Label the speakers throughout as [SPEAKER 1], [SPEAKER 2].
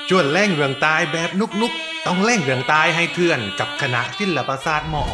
[SPEAKER 1] จวนแล่งเรืองตายแบบนุกๆต้องแล่งเรืองตายให้เทื่อนกับคณะศิลปศาสตร์มอ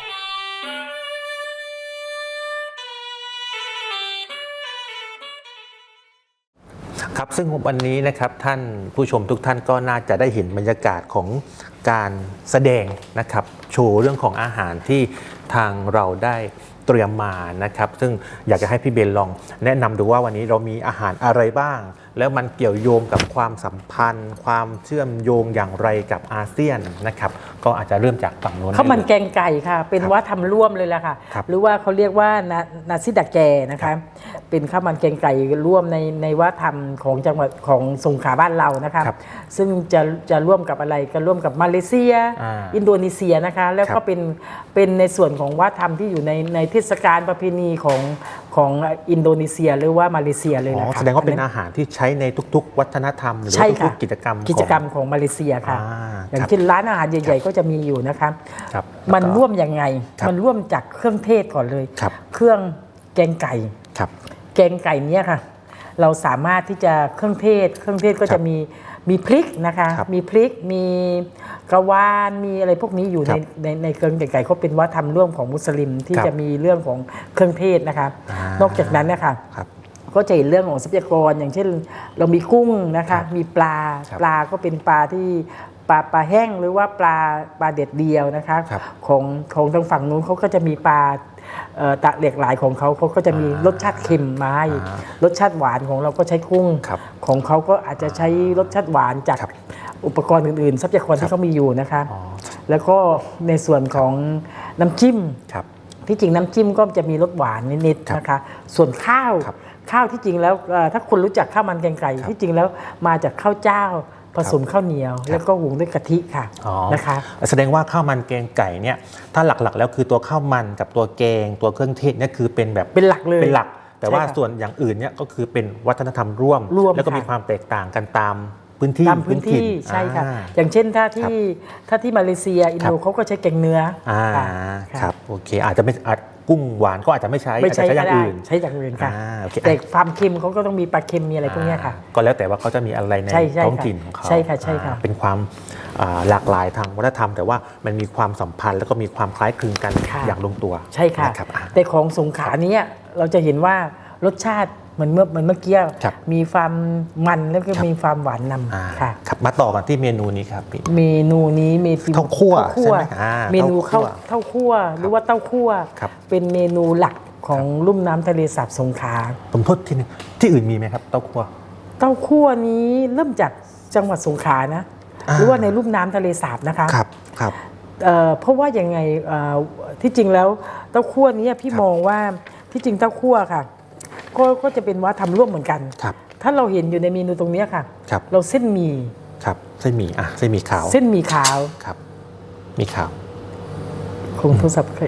[SPEAKER 2] ครับซึ่งวันนี้นะครับท่านผู้ชมทุกท่านก็น่าจะได้เห็นบรรยากาศของการแสดงนะครับโชว์เรื่องของอาหารที่ทางเราได้เตรียมมานะครับซึ่งอยากจะให้พี่เบนลองแนะนำดูว่าวันนี้เรามีอาหารอะไรบ้าง แล้วมันเกี่ยวโยงกับความสัมพันธ์ ความเชื่อมโยงอย่างไรกับอาเซียนนะครับก็อาจจะเริ่มจากฝั่งโน้น
[SPEAKER 3] ข้าวมันแกงไก่ค่ะเป็นวัฒนธรรมร่วมเลยแหละค่ะหรือว่าเขาเรียกว่านาซิดะแกนะคะเป็นข้าวมันแกงไก่ร่วมในวัฒนธรรมของจังหวัดของสงขลาบ้านเรานะคะซึ่งจะร่วมกับอะไรก็ร่วมกับมาเลเซียอินโดนีเซียนะคะแล้วก็เป็นในส่วนของวัฒนธรรมที่อยู่ในเทศกาลประเพณีของอินโดนีเซียหรือว่ามาเลเซียเลยนะคะ
[SPEAKER 2] แสดงว่าเป็นอาหารที่ใช้ในทุกๆ วัฒนธรรมหรือทุกๆกิจกรรม
[SPEAKER 3] ของมาเลเซียค่ะอย่างเช่นร้านอาหารใหญ่ๆก็จะมีอยู่นะคะมันร่วมยังไงมันร่วมจากเครื่องเทศก่อนเลยเครื่องแกงไก่แกงไก่เนี้ยค่ะเราสามารถที่จะเครื่องเทศก็จะมีพริกนะคะมีพริกมีกระวานมีอะไรพวกนี้อยู่ในเครื่องแกงไก่เขาเป็นวัฒนธรรมร่วมของมุสลิมที่จะมีเรื่องของเครื่องเทศนะคะนอกจากนั้นนะคะก็จะเห็นเรื่องของทรัพยากรอย่างเช่นเรามีกุ้งนะคะมีปลาก็เป็นปลาที่ปลาแห้งหรือว่าปลาเด็ดเดียวนะคะของทางฝั่งนู้นเขาก็จะมีปลาตะเหล็กหลายของเขาก็จะมีรสชาติเค็มมาให้รสชาติหวานของเราก็ใช้กุ้งของเขาก็อาจจะใช้รสชาติหวานจากอุปกรณ์อื่นๆทรัพยากรที่เขามีอยู่นะคะแล้วก็ในส่วนของน้ำจิ้มที่จริงน้ำจิ้มก็จะมีรสหวานนิดๆนะคะส่วนข้าวที่จริงแล้วถ้าคุณรู้จักข้าวมันแกงไก่ที่จริงแล้วมาจากข้าวเจ้าผสมข้าวเหนียวแล้วก็หุงด้วยกะทิค่ะนะคะ
[SPEAKER 2] แสดงว่าข้าวมันแกงไก่เนี่ยถ้าหลักๆแล้วคือตัวข้าวมันกับตัวแกงตัวเครื่องเทศเนี่ยคือเป็นแบบ
[SPEAKER 3] เป็นหลักเลย
[SPEAKER 2] เป็นหลักแต่ว่าส่วนอย่างอื่นเนี่ยก็คือเป็นวัฒนธรรมร่วมแล้วก็มีความแตกต่างกันตามพื้นที่
[SPEAKER 3] ใช่ค่ะอย่างเช่นถ้าที่มาเลเซียอินโดเขาก็ใช้แกงเนื้อ
[SPEAKER 2] ครับโอเคอาจจะไม่กุ้งหวานก็อาจจะไม่ใช้อาจจะใช้อย่างอื่น
[SPEAKER 3] ใช้อย่างอื่นค่ะแต่ความเค็มเขาก็ต้องมีปลาเค็มมีอะไรพวกนี้ค่ะ
[SPEAKER 2] ก็แล้วแต่ว่าเขาจะมีอะไรในท้องถิ่นของเขา
[SPEAKER 3] ใช่ค่ะ
[SPEAKER 2] เป็นความหลากหลายทางวัฒนธรรมแต่ว่ามันมีความสัมพันธ์แล้วก็มีความคล้ายคลึงกันอย่างลงตัว
[SPEAKER 3] ใช่ค่ะแต่ของสงขลานี้เราจะเห็นว่ารสชาติเหมือนเมื่อกี้มีความมันแล้วก็มีความหวานนำค่ะ
[SPEAKER 2] มาต่อกันที่เมนูนี้ครับ
[SPEAKER 3] เมนูนี้มี
[SPEAKER 2] เต้าคั่วใช่ไหม
[SPEAKER 3] เมนูเต้าคั่วหรือว่าเต้าคั่วเป็นเมนูหลักของลุ่มน้ำทะเลสาบสงขลา
[SPEAKER 2] ผมโทษทีนึงที่อื่นมีไหมครับเต้าคั่
[SPEAKER 3] วนี้เริ่มจากจังหวัดสงขลานะหรือว่าในลุ่มน้ำทะเลสาบนะคะ
[SPEAKER 2] ครับ
[SPEAKER 3] เพราะว่ายังไงที่จริงแล้วเต้าคั่วนี้พี่มองว่าที่จริงเต้าคั่วค่ะก็จะเป็นวัฒนธรรมร่วมเหมือนกันถ้าเราเห็นอยู่ในเมนูตรงนี้ค่ะเราเส้นหมี่
[SPEAKER 2] เส้นหมี่เส้นหมี่ขาวครับมีขาว
[SPEAKER 3] คงโทรศัพท์ใคร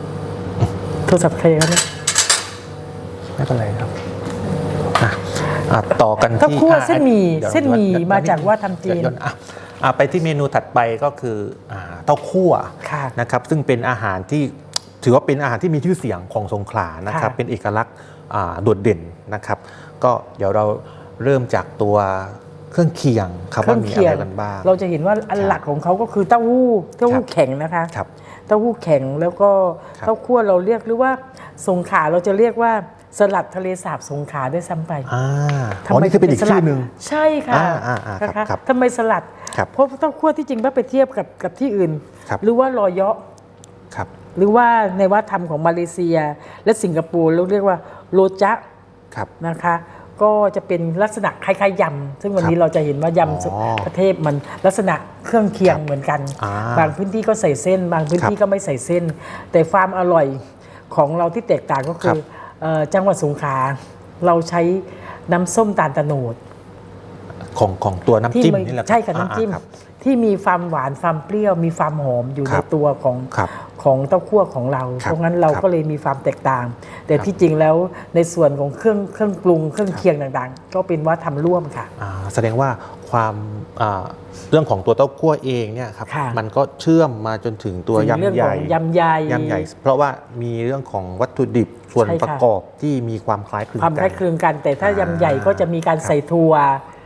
[SPEAKER 3] ครับเนี่ย
[SPEAKER 2] ไม่เป็นไรครับต่อกันที่
[SPEAKER 3] เต้าคั่วเส้นหมี่มาจากวัฒนธรรมจีน
[SPEAKER 2] ไปที่เมนูถัดไปก็คือเต้าคั่วนะครับซึ่งเป็นอาหารที่ถือว่าเป็นอาหารที่มีชื่อเสียงของสงขลานะครับเป็นเอกลักษณ์โดดเด่นนะครับก็เดี๋ยวเราเริ่มจากตัวเครื่องเคียงครับว่ามีอะไรกันบ้าง
[SPEAKER 3] เราจะเห็นว่าอันหลักของเขาก็คือเต้าหู้แข็งนะคะเต้าหู้แข็งแล้วก็เต้าคั่วเราเรียกหรือว่าสงขลาเราจะเรียกว่าสลัดทะเลสาบสงขลาด้วยซ้ำไป
[SPEAKER 2] ทำไมคือเป็นอีกชื่อหนึ่ง
[SPEAKER 3] ใช่ค่ะทำไมสลัดเพราะเต้าคั่วที่จริงถ้าไปเทียบกับที่อื่นหรือว่ารอยเยาะหรือว่าในวัฒนธรรมของมาเลเซียและสิงคโปร์เราเรียกว่าโรจ๊ะนะคะก็จะเป็นลักษณะคล้ายๆยำซึ่งวันนี้เราจะเห็นว่ายำประเทศมันลักษณะเครื่องเคียงเหมือนกันบางพื้นที่ก็ใส่เส้นบางพื้นที่ก็ไม่ใส่เส้นแต่ความอร่อยของเราที่แตกต่างก็คือจังหวัดสงขลาเราใช้น้ำส้มตาลตะโนด
[SPEAKER 2] ของตัวน้ำจิ้มนี่แหละ
[SPEAKER 3] ใช่ค่ะน้ำจิ้มที่มีความหวานความเปรี้ยวมีความหอมอยู่ในตัวของเต้าคั่วของเราเพราะงั้นเราก็เลยมีความแตกต่างแต่ที่จริงแล้วในส่วนของเครื่องปรุงเครื่องเคียงต่างๆก็เป็นวัฒนธรรมร่วมค่ะ
[SPEAKER 2] แสดงว่าความเรื่องของตัวเต้าคั่วเองเนี่ยครับมันก็เชื่อมมาจนถึงตัวยำใหญ่เพราะว่ามีเรื่องของวัตถุดิบส่วนประกอบที่มีความคล้ายคลึงกัน
[SPEAKER 3] แต่ถ้ายำใหญ่ก็จะมีการใส่ถั่ว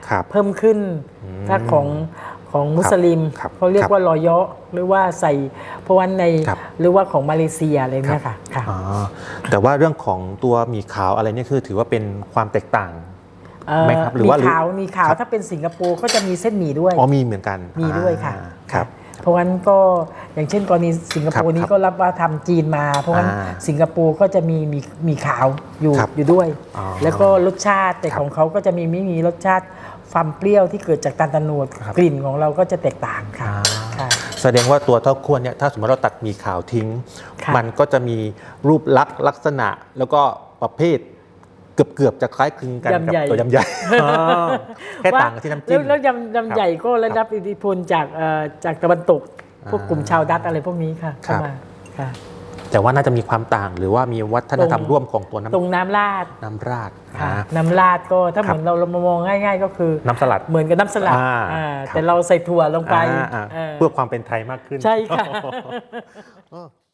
[SPEAKER 2] ครับ
[SPEAKER 3] เพิ่มขึ้นถ้าของมุสลิม
[SPEAKER 2] ครับ
[SPEAKER 3] เขาเรียกว่ารอยะหรือว่าใส่เพราะว่าใน
[SPEAKER 2] ครับ
[SPEAKER 3] หรือว่าของมาเลเซียอะไรเนี่ยค่ะค่ะ
[SPEAKER 2] อ๋อแต่ว่าเรื่องของตัวหมี่ขาวอะไรเนี่ยคือถือว่าเป็นความแตกต่างไหมครับหรือว่า
[SPEAKER 3] มีขาว
[SPEAKER 2] ครับ
[SPEAKER 3] ถ้าเป็นสิงคโปร์ก็จะมีเส้นหมี่ด้วย
[SPEAKER 2] อ๋อมีเหมือนกัน
[SPEAKER 3] มีด้วยค่ะ
[SPEAKER 2] ครับ
[SPEAKER 3] เพราะงั้นก็อย่างเช่นกรณีสิงคโปร์
[SPEAKER 2] ครับ
[SPEAKER 3] นี้ก็รับว่าทำจีนมา เพราะงั้นสิงคโปร์ก็จะมีขาวอยู่
[SPEAKER 2] ครับ
[SPEAKER 3] อยู่ด้วย
[SPEAKER 2] อ๋อ
[SPEAKER 3] แล้วก็รสชาติแต่
[SPEAKER 2] ครับ
[SPEAKER 3] ของเขาก็จะไม่มีรสชาติความเปรี้ยวที่เกิดจากตาลตะโนด
[SPEAKER 2] ครับ
[SPEAKER 3] กลิ่นของเราก็จะแตกต่างค่ะ
[SPEAKER 2] อ่า
[SPEAKER 3] ค่ะ
[SPEAKER 2] แสดงว่าตัวเต้าคั่วเนี่ยถ้าสมมติเราตัดหมี่ขาวทิ้ง
[SPEAKER 3] ค่ะ
[SPEAKER 2] มันก็จะมีรูปลักษณะแล้วก็ประเภทเกือบจะคล้ายคลึงกันกับ
[SPEAKER 3] ยำใหญ่
[SPEAKER 2] ตัวยำใหญ่ อ๋อแค่ต่างกันที่น้ำจิ้ม
[SPEAKER 3] แล้วยำใหญ่ก็ได้รับอิทธิพลจากตะวันตก พวกกลุ่มชาวดัตช์อะไรพวกนี้ค่ะ
[SPEAKER 2] ครั
[SPEAKER 3] เข้า
[SPEAKER 2] บ
[SPEAKER 3] มาค่ะ
[SPEAKER 2] แต่ว่าน่าจะมีความต่างหรือว่ามีวัฒนธรรมร่วมของตัว
[SPEAKER 3] ตรงน้ำราด
[SPEAKER 2] น้ำราด
[SPEAKER 3] ค่ะ
[SPEAKER 2] อ่า
[SPEAKER 3] น้ำราดก็ถ้า
[SPEAKER 2] ค
[SPEAKER 3] เห
[SPEAKER 2] รับ
[SPEAKER 3] มือนเรามองง่ายๆก็คือ
[SPEAKER 2] น้ำสลัด
[SPEAKER 3] เหมือนกับน้ำสลัด
[SPEAKER 2] ครับ
[SPEAKER 3] แต่เราใส่ถั่วลงไป
[SPEAKER 2] อ่า
[SPEAKER 3] เออ
[SPEAKER 2] เพื่อความเป็นไทยมากขึ้น
[SPEAKER 3] ใช่ค่ะ
[SPEAKER 2] อ๋อ